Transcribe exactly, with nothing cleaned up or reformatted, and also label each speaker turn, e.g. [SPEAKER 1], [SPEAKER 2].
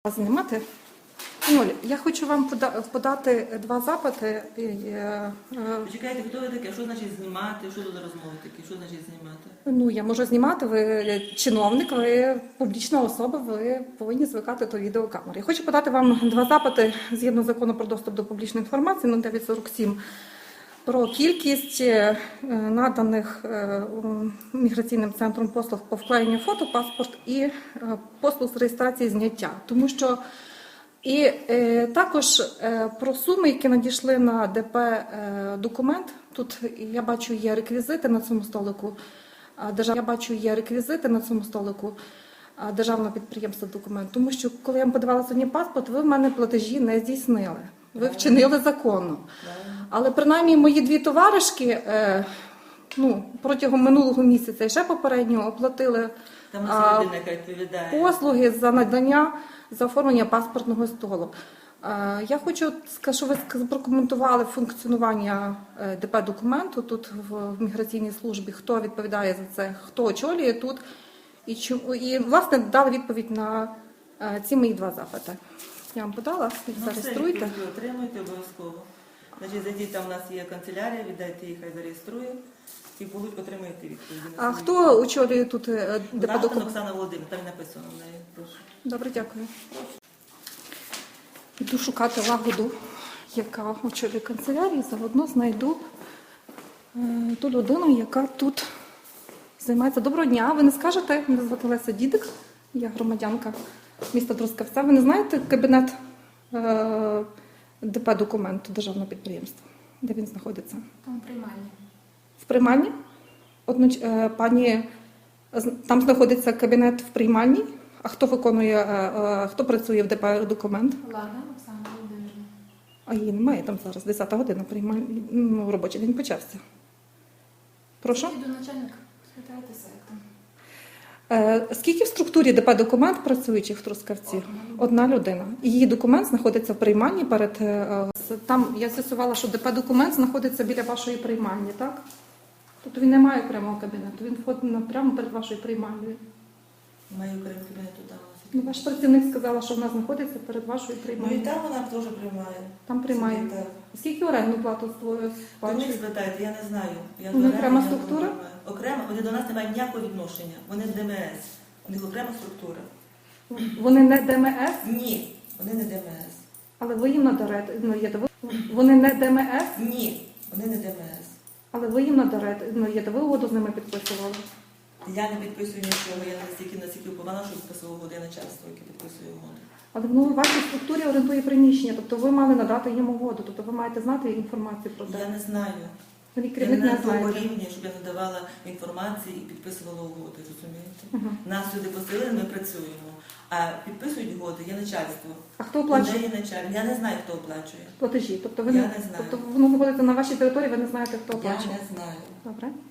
[SPEAKER 1] Знімати? Нуль. Я хочу вам пода- подати два запити. І, е, е,
[SPEAKER 2] Почекайте, хто ви таке? Що значить знімати? Що тут за розмови такі? Що значить знімати?
[SPEAKER 1] Ну, я можу знімати, ви чиновник, ви публічна особа, ви повинні звикати до відеокамери. Я хочу подати вам два запити згідно закону про доступ до публічної інформації ну, дев'ять сорок сім про кількість е, наданих е, міграційним центром послуг по вклеєнню фото, паспорт і е, послуг з реєстрації зняття. Тому що і е, також е, про суми, які надійшли на ДП е, документ. Тут я бачу є реквізити на цьому столику. А, держав... Я бачу є реквізити на цьому столику а, державного підприємства документ. Тому що коли я вам подавала сьогодні паспорт, ви в мене платежі не здійснили. Ви вчинили законно. Але принаймні мої дві товаришки е, ну, протягом минулого місяця і ще попереднього оплатили
[SPEAKER 2] Там
[SPEAKER 1] а,
[SPEAKER 2] людина, яка відповідає.
[SPEAKER 1] послуги за надання, за оформлення паспортного столу. Е, Я хочу, щоб ви прокоментували функціонування е, ДП документу тут в міграційній службі, хто відповідає за це, хто очолює тут, і, чому, і власне, дали відповідь на е, ці мої два запити. Я вам подала,
[SPEAKER 2] Ну,
[SPEAKER 1] зареєструйте.
[SPEAKER 2] все, відповідь ви отримуєте обов'язково. Значить, зайдіть, там у нас є канцелярія, віддайте їй, хай зареєструє, і будуть отримуєте відповіді.
[SPEAKER 1] А хто очолює тут е, ДП
[SPEAKER 2] Лавтин
[SPEAKER 1] документ?
[SPEAKER 2] Оксана Володимирівна, там і написано в неї. Прошу.
[SPEAKER 1] Добре, дякую. Йду шукати лагоду, яка очолює канцелярію, заодно знайду е, ту людину, яка тут займається. Доброго дня, ви не скажете? Мене звати Леся Дідик, я громадянка міста Трускавця. Ви не знаєте кабінет е, ДП документу державного підприємства? Де він знаходиться?
[SPEAKER 3] Там приймальні.
[SPEAKER 1] В приймальні? Одноч... е, Пані, з- там знаходиться кабінет в приймальні? А хто виконує, е, е, хто працює в ДП документ?
[SPEAKER 3] Ладно, Оксана Володимирівна.
[SPEAKER 1] А її немає там зараз, десята година, приймальні, ну, робочий день почався. Прошу?
[SPEAKER 3] Йду начальник, спитайтеся, як там.
[SPEAKER 1] Е, скільки в структурі ДП документ працюючих в Трускавці? Одна людина. І її документ знаходиться в приймальні перед... е, з- Там я з'ясувала, що ДП документ знаходиться біля вашої приймальні, так? Тобто він не має окремого кабінету, він входить на- прямо перед вашою приймальнею.
[SPEAKER 2] Маю окремий кабінет туди.
[SPEAKER 1] Ну, ваш працівник сказала, що вона знаходиться перед вашою
[SPEAKER 2] Ну і
[SPEAKER 1] приймальнею.
[SPEAKER 2] там вона теж приймає.
[SPEAKER 1] Там приймає.
[SPEAKER 2] Так.
[SPEAKER 1] Скільки орендну плату створює?
[SPEAKER 2] То них спитайте, я не знаю. Я
[SPEAKER 1] Вони
[SPEAKER 2] до
[SPEAKER 1] окрема
[SPEAKER 2] оренди не
[SPEAKER 1] структура?
[SPEAKER 2] приймаю. Окремо, вони до нас не мають ніякого відношення. Вони ДМС. У них окрема структура.
[SPEAKER 1] Вони не ДМС,
[SPEAKER 2] Ні, вони не ДМС.
[SPEAKER 1] але ви їм надарете. Ну, є, ви- вони не ДМС,
[SPEAKER 2] Ні, вони не ДМС.
[SPEAKER 1] але ви їм надарете. Ну, є, ви угоду з ними підписували.
[SPEAKER 2] Я не підписую нічого, я не настільки настільки упована, що підписував угоди начальство, яке підписує угоди.
[SPEAKER 1] Але ну, в вашій структурі орендує приміщення, тобто ви мали надати їм угоду, тобто ви маєте знати інформацію про
[SPEAKER 2] Я
[SPEAKER 1] це.
[SPEAKER 2] не знаю.
[SPEAKER 1] Ви
[SPEAKER 2] Я
[SPEAKER 1] керівник
[SPEAKER 2] не
[SPEAKER 1] не
[SPEAKER 2] на тому
[SPEAKER 1] знаєте.
[SPEAKER 2] рівні, щоб я надавала інформації і підписувала угоди, розумієте?
[SPEAKER 1] Угу.
[SPEAKER 2] Нас сюди посилили, ми працюємо. А підписують угоди, є начальство.
[SPEAKER 1] А хто
[SPEAKER 2] У
[SPEAKER 1] оплачує
[SPEAKER 2] неї начальник. Я не знаю, хто оплачує.
[SPEAKER 1] платежі? Тобто ви
[SPEAKER 2] Я
[SPEAKER 1] не,
[SPEAKER 2] не знаю.
[SPEAKER 1] тобто воно знаходиться на вашій території, ви не знаєте, хто
[SPEAKER 2] Я
[SPEAKER 1] оплачує.
[SPEAKER 2] не знаю.
[SPEAKER 1] Добре.